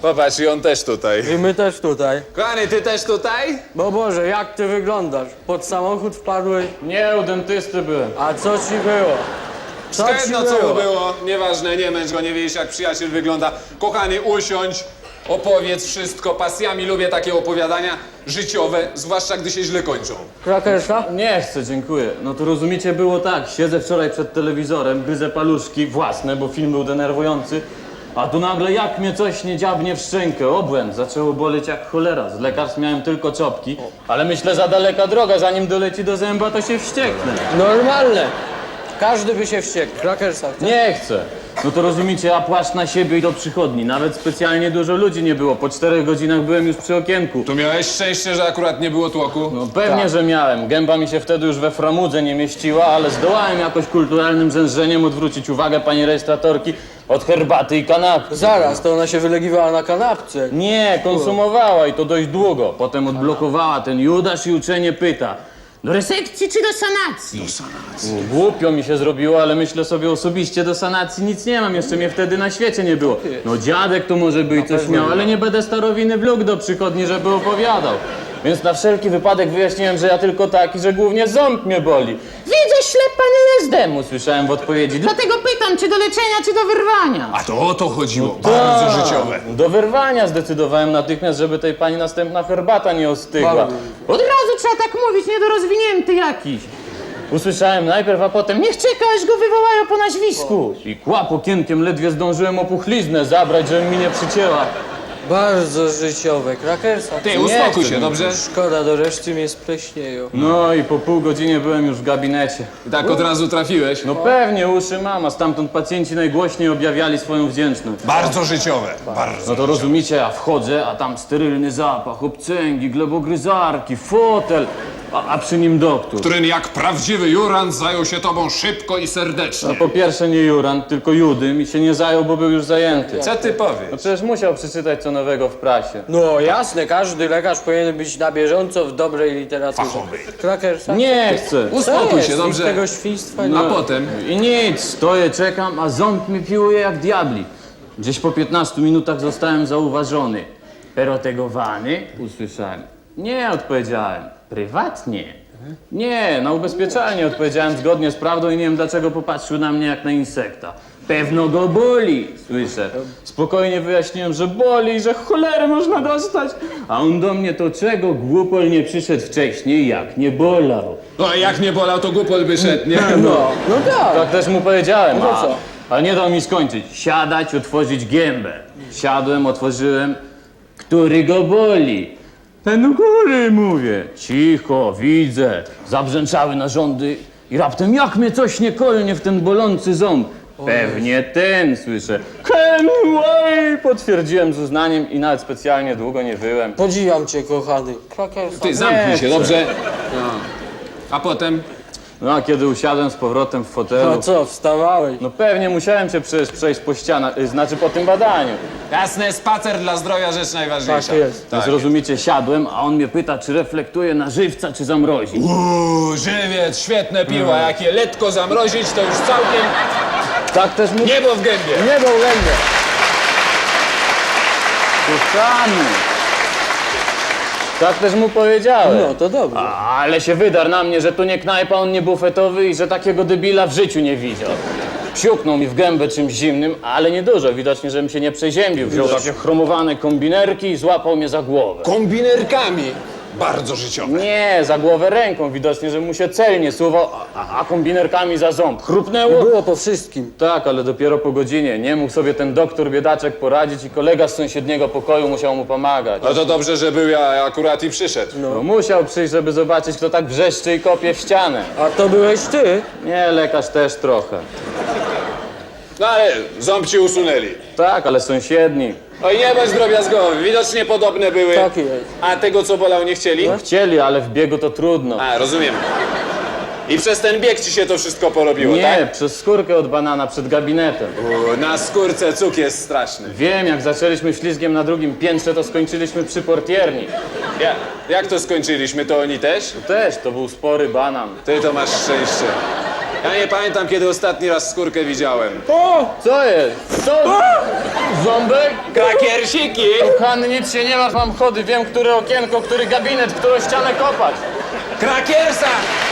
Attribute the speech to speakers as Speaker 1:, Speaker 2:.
Speaker 1: Popatrz, i on też tutaj.
Speaker 2: I my też tutaj.
Speaker 1: Kochany, ty też tutaj?
Speaker 2: Bo Boże, jak ty wyglądasz? Pod samochód wpadłeś?
Speaker 3: Nie, u dentysty byłem.
Speaker 2: A co ci było?
Speaker 1: Jedno co mu było, nieważne, nie męcz go, nie wiesz jak przyjaciel wygląda. Kochany, usiądź, opowiedz wszystko. Pasjami lubię takie opowiadania życiowe, zwłaszcza gdy się źle kończą.
Speaker 2: Krakersa?
Speaker 3: Nie chcę, dziękuję. No to rozumiecie, było tak. Siedzę wczoraj przed telewizorem, gryzę paluszki własne, bo film był denerwujący. A tu nagle jak mnie coś nie dziabnie w szczękę, obłęd. Zaczęło boleć jak cholera. Z lekarstw miałem tylko czopki. Ale myślę, za daleka droga, zanim doleci do zęba, to się wścieknę.
Speaker 2: Normalne. Każdy by się wściekł. Krakersa.
Speaker 3: Nie chcę. No to rozumiecie, ja płaszcz na siebie i do przychodni. Nawet specjalnie dużo ludzi nie było. Po 4 godzinach byłem już przy okienku.
Speaker 1: Tu miałeś szczęście, że akurat nie było tłoku.
Speaker 3: No pewnie, że miałem. Gęba mi się wtedy już we framudze nie mieściła, ale zdołałem jakoś kulturalnym rzężeniem odwrócić uwagę pani rejestratorki od herbaty i kanapki.
Speaker 2: Zaraz, to ona się wylegiwała na kanapce.
Speaker 3: Nie, konsumowała i to dość długo. Potem odblokowała ten Judasz i uczenie pyta. Do resekcji czy do sanacji? Do sanacji. Głupio mi się zrobiło, ale myślę sobie osobiście, do sanacji nic nie mam. Jeszcze mnie wtedy na świecie nie było. No dziadek to może by i coś miał, ale nie będę starowiny wlókł do przychodni, żeby opowiadał. Więc na wszelki wypadek wyjaśniłem, że ja tylko taki, że głównie ząb mnie boli. Widzę, ślepa nie jest usłyszałem w odpowiedzi. Dlatego pytam, czy do leczenia, czy do wyrwania.
Speaker 1: A to o to chodziło, bardzo życiowe.
Speaker 3: Do wyrwania zdecydowałem natychmiast, żeby tej pani następna herbata nie ostygła.
Speaker 2: Bardzo.
Speaker 3: Od razu trzeba tak mówić, niedorozwinięty jakiś. Usłyszałem najpierw, a potem niech czeka, aż go wywołają po nazwisku. I kłap okienkiem ledwie zdążyłem opuchliznę zabrać, żeby mi nie przycięła.
Speaker 2: Bardzo życiowe. Krakersa.
Speaker 1: Ty, uspokój się, dobrze?
Speaker 2: Szkoda, do reszty mnie spleśnieją.
Speaker 3: No i po pół godziny byłem już w gabinecie.
Speaker 1: I tak od razu trafiłeś.
Speaker 3: No pewnie, uszy mam, a stamtąd pacjenci najgłośniej objawiali swoją wdzięczność.
Speaker 1: Bardzo życiowe, bardzo.
Speaker 3: No to rozumiecie, ja wchodzę, a tam sterylny zapach, obcęgi, glebogryzarki, fotel, a przy nim doktor.
Speaker 1: Który jak prawdziwy jurant zajął się tobą szybko i serdecznie.
Speaker 3: No po pierwsze nie Jurand, tylko Judym i się nie zajął, bo był już zajęty.
Speaker 1: Co ty
Speaker 3: No
Speaker 1: powiesz?
Speaker 3: przecież musiał przeczytać co nowego w prasie.
Speaker 2: No jasne, każdy lekarz powinien być na bieżąco w dobrej literaturze.
Speaker 1: Fachowej.
Speaker 2: Krakersa?
Speaker 3: Nie chcę.
Speaker 1: Uspokój się,
Speaker 2: Nic
Speaker 1: dobrze?
Speaker 2: tego świństwa nie
Speaker 1: A
Speaker 2: ma.
Speaker 1: potem?
Speaker 3: I nic, stoję, czekam, a ząb mi piłuje jak diabli. Gdzieś po 15 minutach zostałem zauważony. Perotegowany? Usłyszałem. Nie, odpowiedziałem. Prywatnie? Nie, na ubezpieczalnie odpowiedziałem zgodnie z prawdą i nie wiem dlaczego popatrzył na mnie jak na insekta. Pewno go boli, słyszę. Spokojnie wyjaśniłem, że boli i że cholery można dostać. A on do mnie, to czego głupol nie przyszedł wcześniej, jak nie bolał.
Speaker 1: No a jak nie bolał, to głupol by szedł, nie?
Speaker 2: No tak.
Speaker 3: Tak też mu powiedziałem,
Speaker 2: No to co?
Speaker 3: ale nie dał mi skończyć. Siadać, otworzyć gębę. Siadłem, otworzyłem. Który go boli? Ten u góry, mówię. Cicho, widzę. Zabrzęczały narządy i raptem jak mnie coś nie kolnie w ten bolący ząb. Pewnie ten, słyszę. Kenway! Potwierdziłem z uznaniem i nawet specjalnie długo nie wyłem.
Speaker 2: Podziwiam cię, kochany. Krakersa.
Speaker 1: Ty zamknij się,
Speaker 3: chcę.
Speaker 1: dobrze? No. A potem?
Speaker 3: No a kiedy usiadłem z powrotem w fotelu...
Speaker 2: No co, wstawałeś?
Speaker 3: No pewnie musiałem cię przejść po ścianach, znaczy po tym badaniu.
Speaker 1: Jasne, spacer dla zdrowia rzecz najważniejsza.
Speaker 2: Tak jest.
Speaker 3: Więc rozumiecie, siadłem, a on mnie pyta, czy reflektuje na żywca, czy zamrozi.
Speaker 1: Żywiec, świetne piła, jak je letko zamrozić, to już całkiem
Speaker 3: Tak też mu...
Speaker 1: niebo w gębie.
Speaker 2: Nie był lędę.
Speaker 3: Kochany. Tak też mu powiedziałem.
Speaker 2: No to dobrze.
Speaker 3: Ale się wydarł na mnie, że to nie knajpa, on nie bufetowy i że takiego debila w życiu nie widział. Siuknął mi w gębę czymś zimnym, ale nie dużo. Widocznie, żebym się nie przeziębił. Wziął takie chromowane kombinerki i złapał mnie za głowę.
Speaker 1: Kombinerkami. Bardzo życiowe.
Speaker 3: Nie, za głowę ręką. Widocznie, że mu się celnie suwał, a kombinerkami za ząb. Chrupnęło?
Speaker 2: Było po wszystkim.
Speaker 3: Tak, ale dopiero po godzinie. Nie mógł sobie ten doktor biedaczek poradzić i kolega z sąsiedniego pokoju musiał mu pomagać.
Speaker 1: No to dobrze, że był ja akurat i przyszedł.
Speaker 3: No, musiał przyjść, żeby zobaczyć, kto tak wrzeszczy i kopie w ścianę.
Speaker 2: A to byłeś ty?
Speaker 3: Nie, lekarz też trochę.
Speaker 1: No ale ząb ci usunęli.
Speaker 3: Tak, ale sąsiedni.
Speaker 1: Oj, nie bądź drobiazgowy, widocznie podobne były.
Speaker 2: Tak jest.
Speaker 1: A tego, co bolał, nie chcieli?
Speaker 3: Chcieli, ale w biegu to trudno.
Speaker 1: A, rozumiem. I przez ten bieg ci się to wszystko porobiło,
Speaker 3: Nie,
Speaker 1: tak?
Speaker 3: przez skórkę od banana przed gabinetem.
Speaker 1: Na skórce cuk jest straszny.
Speaker 3: Wiem, jak zaczęliśmy ślizgiem na drugim piętrze, to skończyliśmy przy portierni.
Speaker 1: Jak to skończyliśmy, to oni też?
Speaker 3: Też, to był spory banan.
Speaker 1: Ty to masz szczęście. Ja nie pamiętam, kiedy ostatni raz skórkę widziałem.
Speaker 3: Co jest? Co? Ząbek?
Speaker 1: Krakiersiki!
Speaker 3: Kochany, nic się nie masz, mam chody, wiem, które okienko, który gabinet, którą ścianę kopać.
Speaker 1: Krakiersa!